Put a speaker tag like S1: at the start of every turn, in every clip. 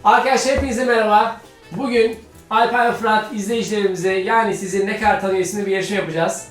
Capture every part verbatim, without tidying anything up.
S1: Arkadaşlar hepinize merhaba. Bugün Alper ve Fırat izleyicilerimize, yani sizi ne kadar tanıyor isimli bir yarışma yapacağız.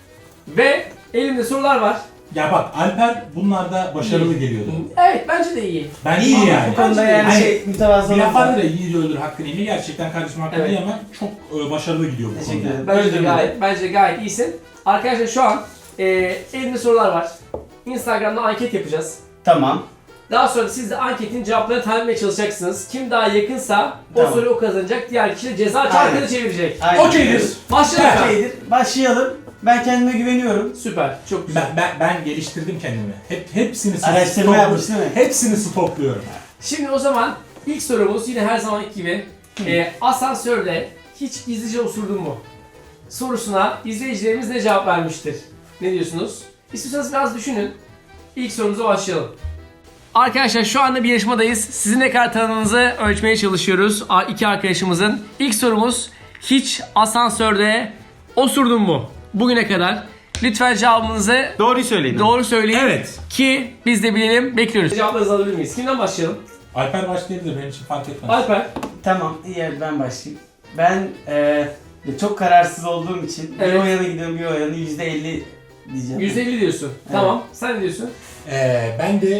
S1: Ve elimde sorular var.
S2: Ya bak, Alper bunlarda başarılı
S1: İyi.
S2: geliyordu.
S1: Evet, bence de iyi.
S2: Ben
S3: İyi
S2: iyi
S3: yani.
S2: yani.
S3: Bu konuda yani
S2: Hani
S3: şey mütevazı
S2: Bir laf
S3: olursa.
S2: vardır ya, yiğidi öldür hakkını yeme. Gerçekten kardeşim hakkını
S1: Evet.
S2: yemem. Çok e, başarılı gidiyor bu
S3: Teşekkür
S2: konuda.
S3: ederim.
S1: Bence de
S3: Özür
S1: gayet, bence de gayet iyisin. Arkadaşlar şu an e, elimde sorular var. Instagram'da anket yapacağız.
S3: Tamam.
S1: Daha sonra siz de anketin cevaplarını tahmin etmeye çalışacaksınız. Kim daha yakınsa o
S3: Tamam.
S1: soruyu o kazanacak. Diğer kişi de ceza çarkını çevirecek.
S3: Aynen.
S2: Okeydir.
S1: Başlayalım.
S2: Ha.
S3: Okeydir. Başlayalım. Ben kendime güveniyorum.
S1: Süper, çok güzel.
S2: Ben, ben, ben geliştirdim kendimi. Hep hepsini
S3: Araştırma
S2: stoklu-
S3: yapmış değil mi?
S2: Hepsini stokluyorum.
S1: Şimdi o zaman ilk sorumuz yine her zamanki gibi. E, asansörde hiç gizlice osurdun mu? Sorusuna izleyicilerimiz ne cevap vermiştir? Ne diyorsunuz? İstiyorsanız biraz düşünün. İlk sorumuza başlayalım. Arkadaşlar şu anda bir yarışmadayız. Sizin ne kadar tanıdığınızı ölçmeye çalışıyoruz. A- İki arkadaşımızın. İlk sorumuz, hiç asansörde osurdun mu bugüne kadar? Lütfen cevabınızı
S3: Doğruyu söyleyin.
S1: doğru söyleyin.
S2: Evet.
S1: Ki biz de bilelim. Bekliyoruz. Cevaplarınızı alabilir miyiz? Kimden başlayalım?
S2: Alper başlayabilir, benim için fark etmez.
S1: Alper.
S3: Tamam. İyi, hadi ben başlayayım. Ben e, çok kararsız olduğum için
S1: Evet.
S3: bir o yana gidiyorum, bir o yana yüzde elli diyeceğim.
S1: yüzde elli diyorsun. Tamam. Sen ne diyorsun?
S2: Ee, ben de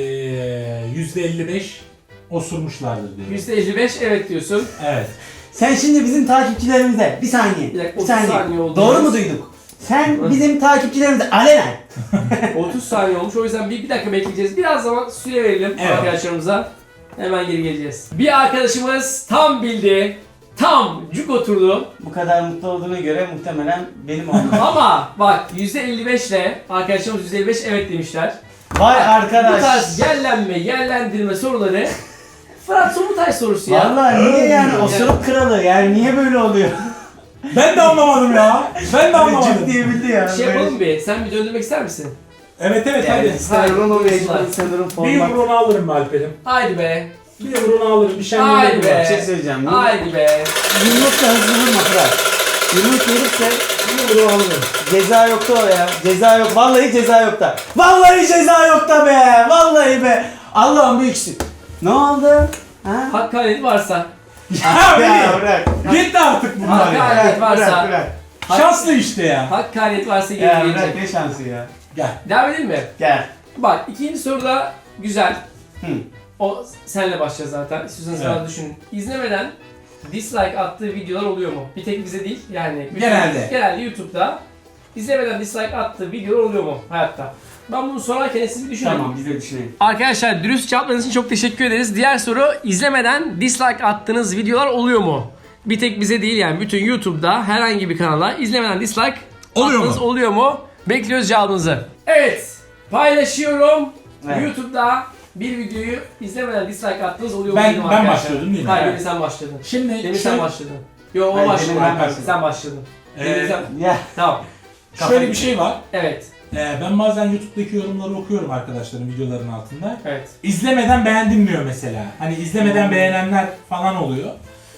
S2: e, yüzde elli beş osurmuşlardır diyorum.
S1: yüzde elli beş evet diyorsun.
S2: Evet.
S3: Sen şimdi bizim takipçilerimize bir saniye.
S1: Bir dakika,
S3: Bir
S1: otuz
S3: saniye.
S1: saniye oldu.
S3: Doğru mu duyduk? Sen bizim takipçilerimize alenen.
S1: otuz saniye olmuş. O yüzden bir, bir dakika bekleyeceğiz. Biraz zaman süre verelim
S2: Evet.
S1: arkadaşlarımıza. Hemen geri geleceğiz. Bir arkadaşımız tam bildi. Tam cuk oturdu.
S3: Bu kadar mutlu olduğuna göre muhtemelen benim olmam.
S1: Ama bak yüzde elli beş ile arkadaşlarımız yüzde elli beş evet demişler.
S3: Vay
S1: Bu
S3: arkadaş.
S1: tarz yerlenme, yerlendirme soruları Fırat Somutay sorusu ya.
S3: Vallahi niye yani osuruk kralı, yani niye böyle oluyor?
S2: Ben de anlamadım ya. Ben de anlamadım.
S3: Cık diye bildi ya.
S1: Şey yapalım bir. Sen bir döndürmek ister misin?
S2: Evet evet
S3: Yani
S2: hadi.
S3: sanırım o
S1: Haydi,
S3: mecbur,
S1: buyursunlar.
S3: sanırım
S2: Bir
S3: format.
S2: yumruğunu alırım be Alper'im.
S1: Haydi be.
S2: Bir yumruğunu alırım. Bir şey
S1: Haydi
S2: anlayalım.
S1: be.
S3: Bir şey söyleyeceğim.
S1: Haydi be.
S3: Yumruk da hızlı vurma Fırat. Yumruk verirse
S2: Bir yumruğunu alırım.
S3: ceza yoktu o ya. Ceza yok. Vallahi ceza yok da. Vallahi ceza yok da be. Vallahi be. Allah'ım büyüksün. Ne oldu? Ha?
S1: Hakaret varsa.
S2: Ya
S3: Ya
S2: beni.
S3: bırak.
S2: Gitti artık bunlar ya.
S1: Hakaret
S3: Bırak,
S1: varsa.
S3: bırak, bırak.
S2: Şanslı işte ya.
S1: Hakaret varsa geri
S3: Ya
S1: gelecek.
S3: bırak, ne şansı ya.
S2: Gel.
S1: Devam edelim mi?
S3: Gel.
S1: Bak ikinci soru da güzel.
S3: Hı.
S1: O senle başlayacağız zaten. İstiyorsanız
S2: Evet.
S1: biraz düşünün. İzlemeden dislike attığı videolar oluyor mu? Bir tek bize değil yani. bütün-
S2: Genelde.
S1: Genelde YouTube'da izlemeden dislike attığı videolar oluyor mu hayatta? Ben bunu sorarken siz bir düşünün.
S3: Tamam, biz de düşünelim.
S1: Arkadaşlar dürüst cevaplarınız için çok teşekkür ederiz. Diğer soru, izlemeden dislike attığınız videolar oluyor mu? Bir tek bize değil yani, bütün YouTube'da herhangi bir kanala izlemeden dislike
S2: Oluyor
S1: attığınız
S2: mu?
S1: oluyor mu? Bekliyoruz cevabınızı. Evet, paylaşıyorum.
S3: Evet.
S1: YouTube'da bir videoyu izlemeden dislike attığınız oluyor mu?
S2: Ben-
S1: dedim
S2: ben
S1: arkadaşlar.
S2: başlıyordum değil mi?
S1: Hayır,
S2: Evet.
S1: demin sen başladın.
S2: Şimdi
S1: Demin
S2: şöyle,
S1: sen başladın. Yo, o
S3: Hayır,
S1: başladı.
S3: demin ben başladım.
S1: Sen başladın. Demin
S2: Ee,
S1: sen...
S3: Ya.
S1: Tamam.
S2: şöyle bir şey var.
S1: Evet,
S2: Ee, ben bazen YouTube'daki yorumları okuyorum arkadaşların videoların altında.
S1: evet.
S2: İzlemeden beğendim diyor mesela. Hani izlemeden beğenenler falan oluyor.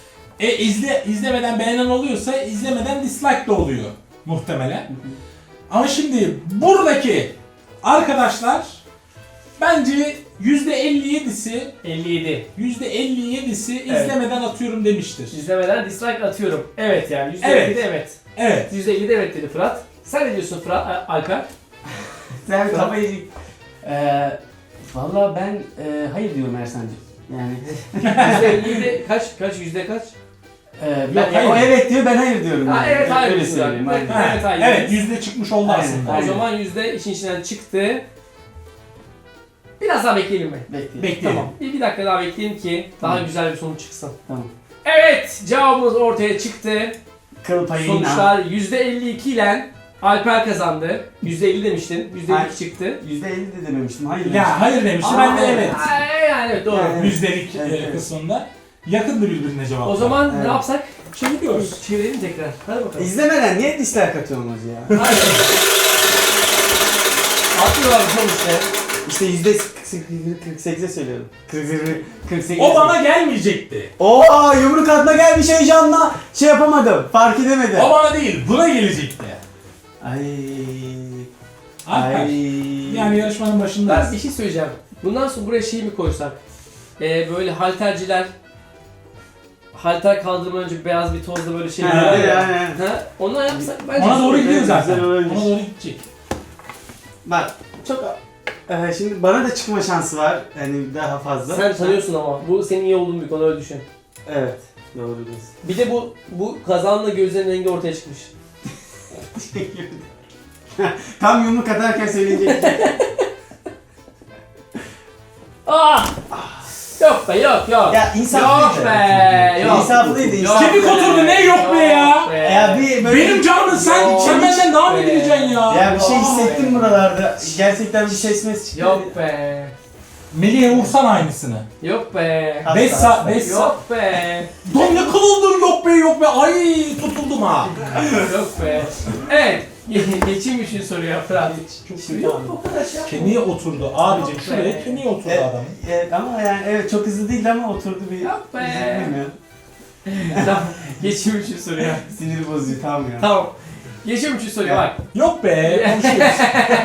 S2: E izle izlemeden beğenen oluyorsa izlemeden dislike de oluyor muhtemelen. Ama şimdi buradaki arkadaşlar bence yüzde elli yedisi
S1: elli yedi.
S2: yüzde elli yedisi
S1: Evet.
S2: izlemeden atıyorum demiştir.
S1: İzlemeden dislike atıyorum. Evet yani yüzde
S2: Evet.
S1: elli de evet.
S2: Evet.
S1: yüzde elli de evet dedi Fırat. Sen ne diyorsun Fırat, A- Alper?
S3: Sen kafayı... Ee, Valla ben e, hayır diyorum Ersan'cığım. Yani...
S1: yüzde elli de kaç, kaç, yüzde kaç?
S3: Ee, ben,
S2: Yok, hayır.
S3: o evet diyor, ben hayır diyorum.
S1: Ha,
S3: yani.
S1: evet, hayır
S3: Öyle
S1: diyorsun
S3: söyleyeyim.
S1: yani.
S3: aynen.
S2: Ha,
S1: Evet, hayır.
S2: evet yüzde çıkmış oldu
S3: Aynen,
S2: aslında.
S1: O
S3: aynen.
S1: zaman yüzde işin içinden çıktı. Biraz daha bekleyelim mi?
S3: Bekle.
S2: Bekleyelim.
S1: Tamam. Bir, bir dakika daha bekleyelim ki daha
S3: Hı.
S1: güzel bir sonuç çıksın.
S3: Tamam.
S1: Evet, cevabımız ortaya çıktı.
S3: Kıl payıyla.
S1: Sonuçlar yüzde elli iki ile Alper kazandı. yüzde elli demiştin. yüzde elli iki
S3: Hayır.
S1: çıktı.
S3: yüzde elli de dememiştim. Hayır demiştim.
S2: Ya hayır demişti,
S1: Aa,
S2: ben de evet.
S1: aa, Yani evet, doğru.
S3: Yani-
S2: Yüzdelik
S3: Evet,
S2: e,
S3: evet.
S2: kısmında yakındı birbirine cevaplar.
S1: O zaman
S3: Evet.
S1: ne yapsak?
S2: çeviriyoruz.
S1: Çevirelim tekrar. Hadi bakalım.
S3: İzlemeden niye dislike atıyorsun hacı ya?
S1: Hadi. Atıyorlar sonuçta.
S3: İşte yüzde kırk sekize söylüyorum. kırk sekiz.
S2: O bana gelmeyecekti.
S3: Oo, yumruk atma gelmiş heyecanla şey yapamadım. Fark edemedim.
S2: O bana değil, buna gelecekti.
S3: Ay.
S2: Alper.
S3: Ay.
S2: Yani yarışmanın başındayız.
S1: Ben bir şey söyleyeceğim. Bundan sonra buraya şey mi koysak? e, böyle halterciler halter kaldırmadan önce beyaz bir tozla böyle şey
S3: Ha,
S1: yapıyor
S3: evet,
S1: ya.
S3: aynen.
S1: Ha, ona yapsak bence
S2: Ona doğru
S1: güzel.
S2: gidiyor zaten.
S3: güzel olabilir.
S2: Ona doğru gidecek.
S3: Bak çok e, şimdi bana da çıkma şansı var. Yani daha fazla.
S1: Sen tanıyorsun ama bu senin iyi olduğun bir konu, öyle düşün.
S3: Evet. Doğru diyorsun.
S1: Bir de bu bu kazanla gözlerin rengi ortaya çıkmış.
S3: Tam yumruk atarken söyleyecek.
S1: Ah! Yok be, yok yok.
S3: Ya insaflıydı.
S1: Yok be, yok.
S3: İnsaflıydı.
S1: Yok
S3: insaflıydı.
S2: Kemik oturdu, ne yok be ya?
S1: be.
S3: Ya bir böyle
S2: Benim canım sen,
S1: Yok
S2: sen benden daha mı
S1: be.
S2: bileceksin ya?
S3: ya bir şey
S1: Yok
S3: hissettim
S1: be.
S3: buralarda. Gerçekten bir ses mes çıktı.
S1: Yok be.
S2: Melih'e vursan aynısını.
S1: Yok be.
S3: Hasta,
S2: beş
S3: hasta.
S2: saat, beş saat.
S1: Yok be.
S2: Don ne kılıldın yok be yok be. Ay tutuldum ha.
S1: Yok be. Evet. Ge- Geçeyim üçüncü soruya Fırat.
S3: Şimdi
S1: Yok
S3: abi.
S1: bu kadar şey yapma.
S2: Kemiğe oturdu abicim,
S1: Yok
S2: şuraya
S1: be.
S2: kemiğe oturdu
S3: Evet,
S2: adamın.
S3: evet, ama yani evet çok hızlı değil ama oturdu bir.
S1: Yok be.
S3: Üzüldüm ya.
S1: Tamam. Geçeyim üçüncü soruya.
S3: Sinir bozuyor tamam ya.
S1: Tamam. Geçeyim üçüncü soruya bak.
S2: Yok be konuşuyoruz.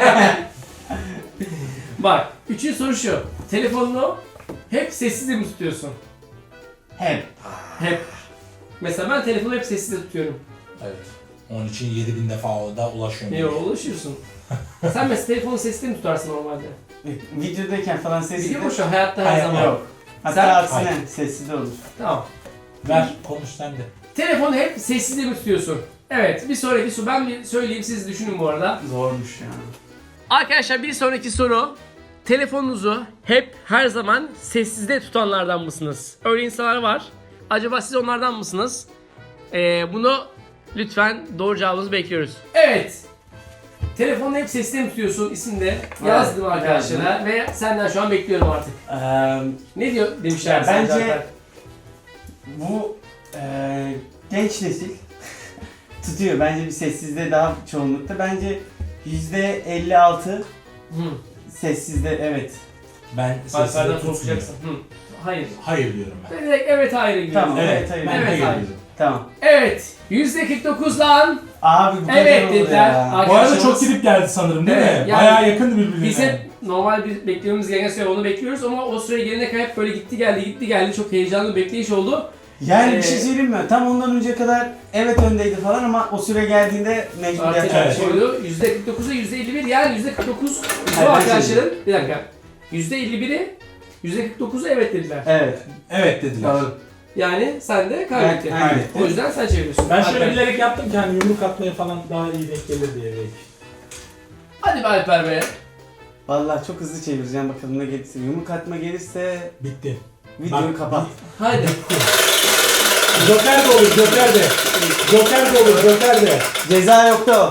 S1: Bak. Üçüncü soru şu. Telefonunu hep sessizde mi tutuyorsun?
S3: Hep.
S1: Hep. Mesela ben telefonu hep sessizde tutuyorum.
S2: Evet. Onun için yedi bin defa da ulaşıyorum.
S1: Niye ulaşıyorsun? Sen mesela telefonu sessizde mi tutarsın normalde?
S3: Videodayken falan sessiz.
S1: Biliyor musun hayatta her
S2: Hayır,
S1: zaman?
S3: Yok. Hatta
S1: Sen-
S3: aksine
S2: Hayır.
S3: sessiz de olur.
S1: Tamam.
S2: Ver konuş sen de.
S1: Telefonu hep sessizde mi tutuyorsun? Evet, bir sonraki soru. Ben bir söyleyeyim, siz düşünün bu arada.
S3: Zormuş ya.
S1: Arkadaşlar bir sonraki soru. Telefonunuzu hep her zaman sessizde tutanlardan mısınız? Öyle insanlar var. Acaba siz onlardan mısınız? Ee, bunu lütfen doğru cevabınızı bekliyoruz. Evet. Telefonu hep sessizde mi tutuyorsun isimde yazdım
S3: Evet,
S1: arkadaşlara ve senden şu an bekliyorum artık.
S3: Eee
S1: Ne diyor demişler
S3: Ya
S1: sen
S3: bence-
S1: zaten.
S3: bu eee genç nesil tutuyor. Bence bir sessizde daha çoğunlukta. Bence yüzde elli altı
S1: Hı.
S3: sessizde evet.
S2: Ben sesini
S1: Alper'den
S2: tutmuyorum.
S1: korkacaksın. Hı. Hayır.
S2: Hayır diyorum ben.
S1: Ben direkt evet hayır gidiyorum.
S3: Tamam.
S2: Evet,
S3: Evet, hayır.
S2: ben
S1: Evet,
S2: hayır
S1: hayır.
S2: diyorum.
S3: Tamam.
S1: Evet. yüzde kırk dokuz lan.
S3: Abi bu kadar
S1: Evet
S3: olur
S1: dediler.
S3: ya.
S1: Ar-
S2: Bu arada
S1: Arkadaşlarımız-
S2: çok gidip geldi sanırım değil
S1: Evet,
S2: mi?
S1: yani
S2: Bayağı yakındı birbirine.
S1: Biz hep normal bir beklememiz gereken süre onu bekliyoruz ama o süre gelene kadar hep böyle gitti geldi gitti geldi, çok heyecanlı bir bekleyiş oldu.
S3: Yani
S1: Ee,
S3: bir şey söyleyeyim mi? Tam ondan önce kadar evet öndeydi falan ama o süre geldiğinde mecbur
S1: Artık
S3: yapacak bir
S2: evet.
S3: şey yok.
S1: koydu. yüzde kırk dokuza yüzde elli bir, yani yüzde kırk dokuz bu
S3: Hayır, ben
S1: arkadaşların bir dakika. yüzde elli biri yüzde kırk dokuzu evet dediler.
S3: Evet.
S2: Evet dediler.
S3: Doğru.
S1: Yani sen de kaybettin.
S3: Evet, aynen.
S1: O yüzden sen çeviriyorsun.
S2: Ben şöyle
S1: Alper.
S2: bilerek yaptım ki hani yumruk atmaya falan daha iyi denk gelir diye belki.
S1: Hadi be Alper be.
S3: Vallahi çok hızlı çevireceğim bakalım ne gelirse. Yumruk atma gelirse
S2: Bitti.
S3: videoyu
S2: Bak,
S3: kapat.
S1: Hadi.
S2: Joker de olur, Joker de. Joker de olur, Joker de.
S3: Ceza yoktu o.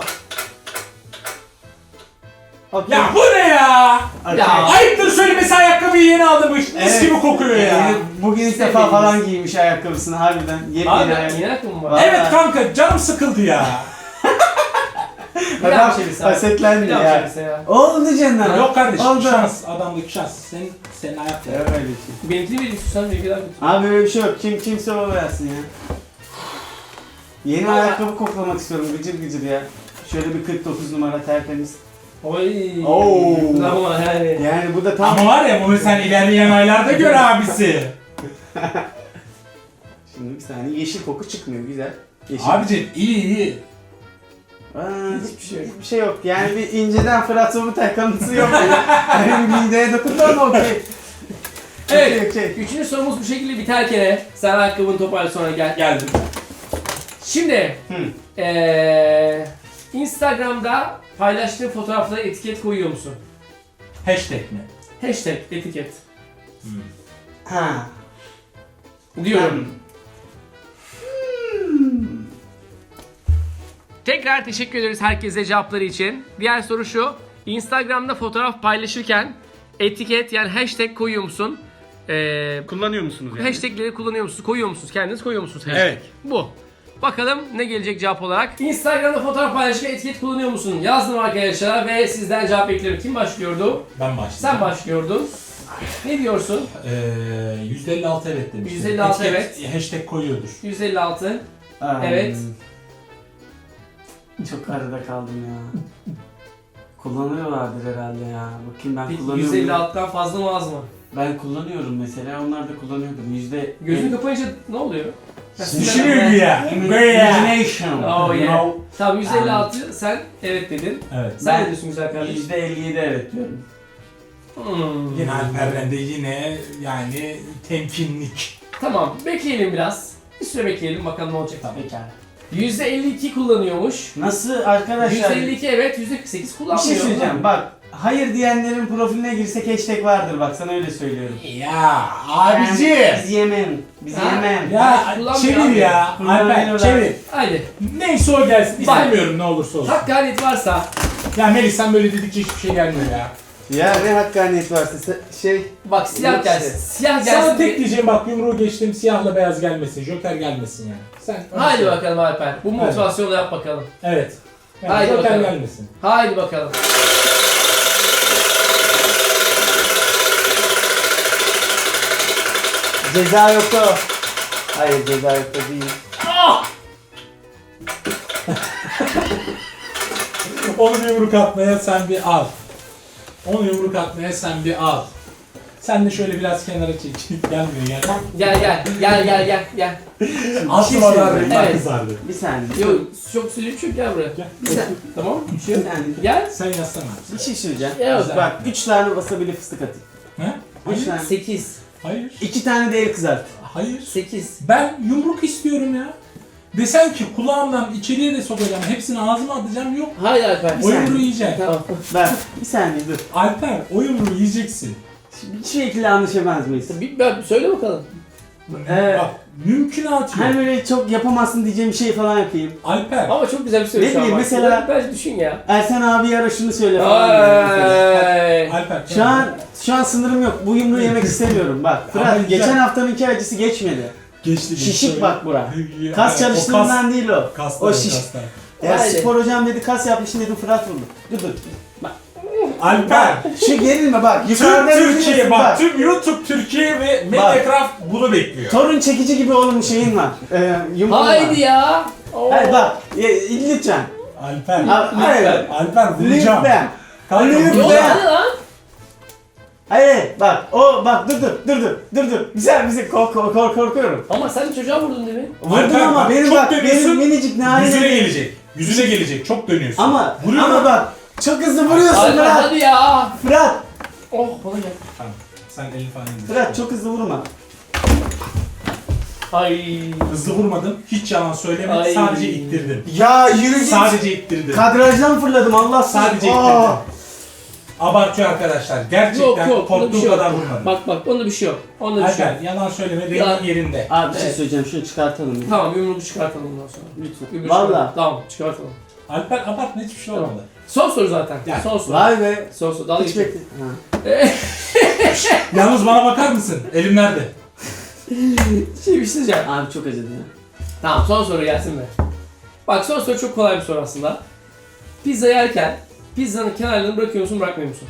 S3: Okay.
S2: Ya bu ne ya?
S3: Okay.
S1: Ya.
S2: Ayıptır söylemesi, ayakkabıyı yeni aldım. Mis
S3: Evet.
S2: gibi kokuyor ya.
S3: Yani bugün ilk defa
S1: Sevgiliniz.
S3: falan giymiş ayakkabısını harbiden. Yepyeni
S1: Abi
S3: ayakkabı.
S1: inek mi var?
S3: Var.
S2: Evet kanka, canım sıkıldı ya.
S1: Bir daha
S3: Adam
S1: bir çevirse.
S3: hasetlendi
S1: Bir daha
S3: ya.
S1: çevirse ya.
S3: Oldu canım.
S2: Yok kardeşim,
S3: Oldu.
S2: şans. Adamdaki şans. Senin, senin ayakta.
S3: Ya öyle bir şey.
S1: Benimkini bir istiyorsan bir daha götür.
S3: Abi öyle bir şey yok. Kim kimse o versin ya. Yeni
S1: Vallahi-
S3: ayakkabı koklamak istiyorum gıcır gıcır ya. Şöyle bir kırk dokuz numara tertemiz.
S1: Oy.
S3: Oo.
S1: Ama yani.
S3: Yani bu da tam...
S2: Ama var ya, bunu sen ilerleyen aylarda gör abisi.
S3: Şimdi bir saniye yeşil koku çıkmıyor güzel. Yeşil.
S2: Abicim iyi iyi.
S3: Aa,
S1: Hiçbir şey yok.
S3: Hiçbir şey yok. Yani bir inceden Fırat Sobutay kanıtısı yok. Yani bir mideye dokundu ama okey.
S1: Evet.
S3: Okey, okey.
S1: Üçüncü sorumuz bu şekilde biterken sen ayakkabını toparla sonra gel.
S2: Geldim.
S1: Şimdi
S3: Hı.
S1: eee Instagram'da paylaştığın fotoğraflara etiket koyuyor musun?
S2: Hashtag mi?
S1: Hashtag etiket
S3: Ha.
S1: diyorum. Tekrar teşekkür ederiz herkese cevapları için. Diğer soru şu. Instagram'da fotoğraf paylaşırken etiket yani hashtag koyuyor musun? Ee,
S3: Kullanıyor musunuz yani?
S1: hashtagleri kullanıyor musunuz? Koyuyor musunuz? Kendiniz koyuyor musunuz? Hashtag?
S2: Evet.
S1: Bu. Bakalım ne gelecek cevap olarak. Instagram'da fotoğraf paylaşırken etiket kullanıyor musun? Yazdım arkadaşlar ve sizden cevap bekliyorum. Kim başlıyordu?
S2: Ben başlayacağım.
S1: Sen başlıyordun. Ne diyorsun?
S2: Ee, yüzde elli altı evet demiştim.
S1: yüzde elli altı
S2: Etiket, hashtag koyuyordur.
S1: yüz elli altı.
S3: Aa,
S1: Evet.
S3: Çok arada kaldım ya. Kullanıyorlardır herhalde ya. Bakayım ben kullanıyor
S1: yüz
S3: muyum?
S1: elli altıdan fazla mı az mı?
S3: Ben kullanıyorum mesela. Onlar da kullanıyordum. Yüzde...
S1: Gözünü kapayınca ne oluyor?
S2: Düşünüyor ya.
S3: Imagination.
S1: Oh yeah.
S3: No.
S1: Tamam yüz elli altı sen evet dedin.
S2: Evet.
S1: Sen
S3: Ben-
S1: ne diyorsun güzel kardeşim?
S3: Yüzde elli yedi evet diyorum.
S1: Hmm.
S2: Yine Alper'den de yine yani temkinlik.
S1: Tamam bekleyelim biraz. Bir süre bekleyelim bakalım ne olacak.
S3: Pekala.
S1: yüzde elli iki kullanıyormuş.
S3: Nasıl arkadaşlar?
S1: yüzde elli iki evet, yüzde kırk sekiz
S3: Bir
S1: kullanmıyor.
S3: şey söyleyeceğim bak. Hayır diyenlerin profiline girsek hashtag vardır bak sana öyle söylüyorum.
S2: Ya
S3: Ben-
S2: abici.
S3: Biz yemem. Biz
S1: Ha?
S3: yemem.
S2: Ya
S1: Kullanmıyor
S2: çevir
S1: abi.
S2: ya. Alper
S3: Kullanıyorlar.
S2: çevir.
S1: Haydi.
S2: Neyse o gelsin.
S1: Bak.
S2: İstemiyorum ne olursa olsun.
S1: Hakkaniyet varsa
S2: Ya Melih sen böyle dedikçe hiçbir şey gelmiyor ya.
S3: Ya ne hakkaniyet varsa se- şey...
S1: bak siyah
S3: Yok
S1: gelsin.
S3: işte.
S1: Siyah
S2: Sana
S1: gelsin.
S2: tek diyeceğim bak yumruğu geçtim siyahla beyaz gelmesin. Joker gelmesin yani. Sen
S1: Haydi bakalım Alper. Bu motivasyonla yap bakalım.
S2: Evet. Yani
S1: Haydi
S2: Joker
S1: bakalım.
S2: gelmesin.
S1: Haydi bakalım.
S3: Ceza yoktu. Hayır ceza yoktu değil.
S2: Onu bir yumruk atmaya sen bir al. Onu yumruk atmaya sen bir al. Sen de şöyle biraz kenara çek. Gelmiyor yani.
S1: Gel gel gel gel gel gel.
S2: Aslı
S3: şey
S2: var
S3: söyleyeyim.
S2: bak
S1: Evet.
S2: kızardı.
S3: Bir saniye.
S1: Yok çok söyleyeyim çünkü gel buraya.
S2: Gel.
S1: Bir sen. Tamam.
S3: Bir şey saniye.
S1: Gel.
S2: Sen yazsana.
S3: Bir şey söyleyeceğim.
S1: Yok.
S2: Güzel.
S3: Bak üç tane wasabi'li fıstık atayım.
S2: He?
S3: Üç tane.
S1: sekiz.
S2: Hayır.
S3: İki tane de el kızart.
S2: Hayır.
S1: sekiz.
S2: Ben yumruk istiyorum ya. Desen ki kulağımdan içeriye de sokacağım, hepsini ağzıma atacağım yok.
S1: Haydi Alper.
S2: O yumruğu yiyeceksin.
S1: Tamam.
S3: Bak bir saniye dur.
S2: Alper, o yumruğu yiyeceksin.
S3: Bir şekilde anlaşamaz mıyız?
S1: Bir, bir, söyle bakalım.
S3: Ee,
S2: Bak, mümkünatı
S3: Hani
S2: yok.
S3: böyle çok yapamazsın diyeceğim bir şey falan yapayım.
S2: Alper,
S1: Ama çok güzel bir soru
S3: Ne
S1: şu an
S3: bileyim,
S1: bak.
S3: mesela-
S1: Bence düşün ya.
S3: Ersen abi ara şunu söyle falan. diyorum mesela.
S1: Ay.
S2: Alper.
S3: Şu an şu an sınırım yok. Bu yumruğu yemek istemiyorum. Bak
S2: Ama
S3: Fırat
S2: güzel.
S3: geçen haftanınki acısı geçmedi.
S2: geçti.
S3: Şişik bak bura.
S2: Ya,
S3: Kas
S2: o
S3: çalıştığından değil o.
S2: Kas, kaslar,
S3: O
S2: o
S3: şiş.
S2: kaslar.
S3: Ya
S1: Haydi.
S3: spor hocam dedi kas yapmışsın dedim Fırat vurdu. Dur dur. Bak.
S2: Alper,
S3: Şu gerilme bak.
S2: tüm
S3: Yukarıda
S2: Türkiye
S3: yürüyorsun,
S2: bak, tüm YouTube Türkiye ve Mediacraft bunu bekliyor.
S3: Torun çekici gibi oğlum şeyin var. Ee, yumruğun var.
S1: Haydi ya. Oo.
S3: Hayır bak. Ya, lütfen.
S2: Alper,
S3: Abi, hayır.
S2: Alper vuracağım.
S3: Lütfen.
S2: Kanka,
S3: Lütfen.
S1: Yok
S2: vuracağım.
S1: hadi lan.
S3: Hayır bak o bak dur dur dur dur dur dur. Güzel bizi kork kork kork korkuyorum.
S1: Ama sen çocuğa vurdun değil mi?
S3: Vurdum
S2: Alper,
S3: ama
S2: bak,
S3: benim
S2: çok
S3: bak
S2: dönüyorsun,
S3: benim minicik narin.
S2: Yüzüne gelecek. Yüzüne gelecek. Çok dönüyorsun.
S3: Ama
S2: Vuruyor
S3: ama
S2: mu?
S3: bak çok hızlı vuruyorsun
S1: Alper
S3: Fırat.
S1: hadi ya.
S3: Fırat.
S1: Oh bana gel.
S2: Tamam. Sen elini falan indir.
S3: Fırat çok hızlı vurma.
S1: Ay.
S2: Hızlı vurmadım. Hiç yalan söylemedim.
S1: Ay.
S2: Sadece ittirdim.
S3: Ya yürü git.
S2: Sadece ittirdim.
S3: Kadrajdan fırladım Allah
S2: Sadece
S3: Aa.
S2: ittirdim. Abartıyor arkadaşlar. Gerçekten
S1: Yok yok. Onda
S2: korktuğum
S1: bir şey
S2: kadar
S1: yok.
S2: vurmadım.
S1: Bak bak onda bir şey yok. Onda bir şey yok.
S2: Alper yalan söyleme.
S1: Ya.
S2: Rengin yerinde.
S3: Abi bir şey
S1: Evet.
S3: söyleyeceğim şunu çıkartalım. ya.
S1: Tamam yumruğu çıkartalım ondan sonra.
S3: Lütfen.
S1: Yumruğu
S3: Valla.
S1: çıkartalım. Tamam çıkartalım.
S2: Alper abartma hiçbir şey olmadı.
S1: Son soru zaten.
S2: Gel.
S1: Son soru.
S3: Vay be.
S1: Son soru. Dalga
S3: Hiç
S1: geçme.
S3: bekle. Ha.
S2: Yalnız bana bakar mısın? Elim nerede?
S1: Şey bir şey diyeceğim.
S3: Abi çok acıdı ya.
S1: Tamam son soru gelsin be. Bak son soru çok kolay bir soru aslında. Pizza yerken pizzanın kenarlarını bırakıyor musun bırakmıyor musun?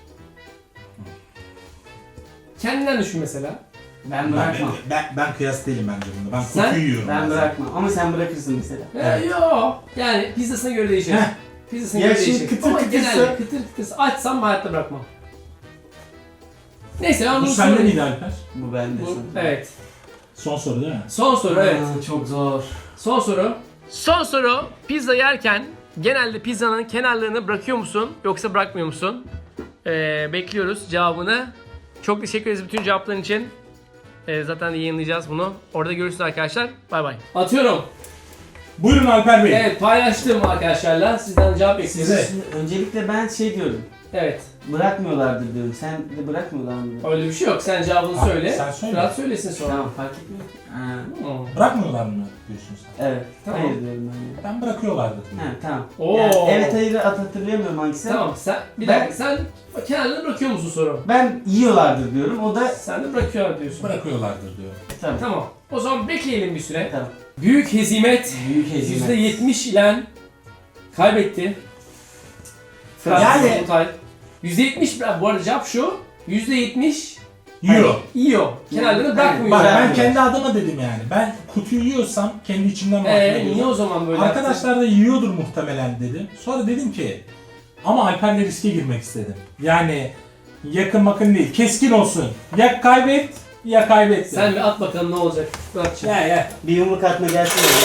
S1: Kendinden düşün mesela.
S3: Ben bırakmam.
S2: ben, ben kıyas değilim bence bunda. Ben
S1: Sen-
S2: kokuyu yiyorum.
S3: Ben bırakmam. Ama sen bırakırsın mesela.
S1: Evet. Yok. Yani pizzasına göre değişir.
S2: Heh.
S1: Pizzasına
S3: Ya
S1: göre
S3: şimdi
S1: değişir.
S3: kıtır
S1: Ama
S3: kıtırsa-
S1: genelde kıtır kıtırsa açsam hayatta bırakmam. Neyse ben
S2: Bu
S1: bunu
S2: sende
S1: sorayım.
S2: miydi Alper?
S3: Bu bende
S1: Bu,
S3: sanırım.
S1: evet.
S2: Son soru değil mi?
S1: Son soru evet.
S3: Aa, çok zor.
S1: Son soru. Son soru. Pizza yerken genelde pizzanın kenarlarını bırakıyor musun yoksa bırakmıyor musun? Ee, bekliyoruz cevabını. Çok teşekkür ederiz bütün cevapların için. Ee, zaten yayınlayacağız bunu. Orada görüşürüz arkadaşlar. Bay bay. Atıyorum.
S2: Buyurun Alper Bey.
S1: Evet paylaştım arkadaşlarla. Sizden cevap bekliyoruz.
S2: Size.
S3: Şimdi öncelikle ben şey diyorum.
S1: Evet.
S3: Bırakmıyorlardır diyorum. Sen de bırakmıyorlar mı?
S1: Öyle bir şey yok. Sen cevabını
S2: Abi,
S1: söyle.
S2: sen söyle.
S1: Fırat söylesin sonra.
S3: Tamam fark etmiyor. Ha,
S1: Hmm.
S2: Bırakmıyorlar mı diyorsun sen?
S3: evet.
S1: Tamam.
S3: Hayır diyorum ben. ya.
S2: Ben bırakıyorlardır diyorum.
S3: Ha, tamam.
S1: Oo.
S3: Yani, evet hayır at hatırlayamıyorum hangisi.
S1: Tamam sen bir
S3: Ben-
S1: dakika sen kenarlarını bırakıyor musun soru?
S3: Ben yiyorlardır diyorum. O da
S1: Sen de bırakıyor diyorsun.
S2: Bırakıyorlardır diyor.
S3: tamam.
S1: Tamam. O zaman bekleyelim bir süre.
S3: Tamam.
S1: Büyük hezimet
S3: Büyük hezimet.
S1: yüzde yetmiş ile kaybetti. Fırat
S2: Yani-
S1: Solutay. yüzde yetmiş bu arada cevap şu. yüzde yetmiş
S2: Yiyor.
S1: yiyor. Kenarlarını
S3: Yani-
S1: bırakmıyor.
S2: Bak ben
S3: Bırakmıyor.
S2: kendi adıma dedim yani. Ben kutuyu yiyorsam kendi içimden
S1: Eee
S2: bahsediyorum.
S1: niye o zaman böyle yaptın?
S2: Arkadaşlar da yiyordur muhtemelen dedim. Sonra dedim ki ama Alper'le riske girmek istedim. Yani Yakın makın değil. Keskin olsun. Ya kaybet ya kaybet.
S1: Sen bir at bakalım ne olacak. Muratçığım.
S2: Ya ya.
S3: Bir yumruk atma gelsin. de.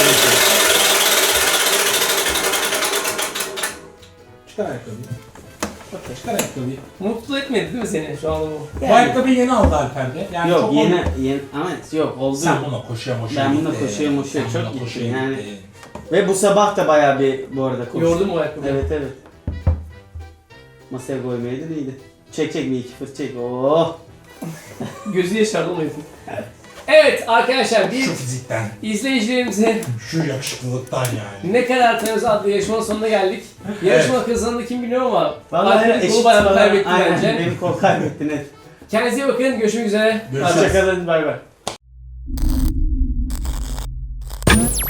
S2: Çıkar ayakkabıyı. Çıkar ayakkabıyı.
S1: Mutlu etmedi değil mi seni şu anda bu?
S2: Bu
S3: Yani-
S2: ayakkabıyı yeni aldı Alper'de. Yani
S3: Yok
S2: çok
S3: yeni,
S2: oldu.
S3: yeni ama yok oldu.
S2: Sen buna koşuya moşuya
S3: Ben buna
S2: gitti.
S3: koşuya moşuya
S2: Sen
S3: çok
S2: buna
S3: gittim
S2: koşuya
S3: yani.
S2: gitti.
S3: Ve bu sabah da bayağı bir bu arada koştum.
S1: Yordun mu ayakkabıyı?
S3: Evet evet. Masaya koymayaydın iyiydi. Çek çek bir iki fırt çek. Oh.
S1: Gözü yaşardı onu yapın. Evet arkadaşlar bir
S2: Şu fizikten,
S1: izleyicilerimize
S2: şu yakışıklılıktan yani.
S1: ne kadar tanıyoruz adlı yarışmanın sonuna geldik. Yarışma kazandı kim bilmiyorum ama
S3: Vallahi
S1: Alper'in
S3: eşit
S1: kolu bayağı
S3: falan-
S1: kaybetti
S3: Aynen,
S1: bence.
S3: benim kol kaybetti net.
S1: Kendinize iyi bakın. Görüşmek üzere.
S2: Görüşürüz.
S3: Hoşçakalın bay bay.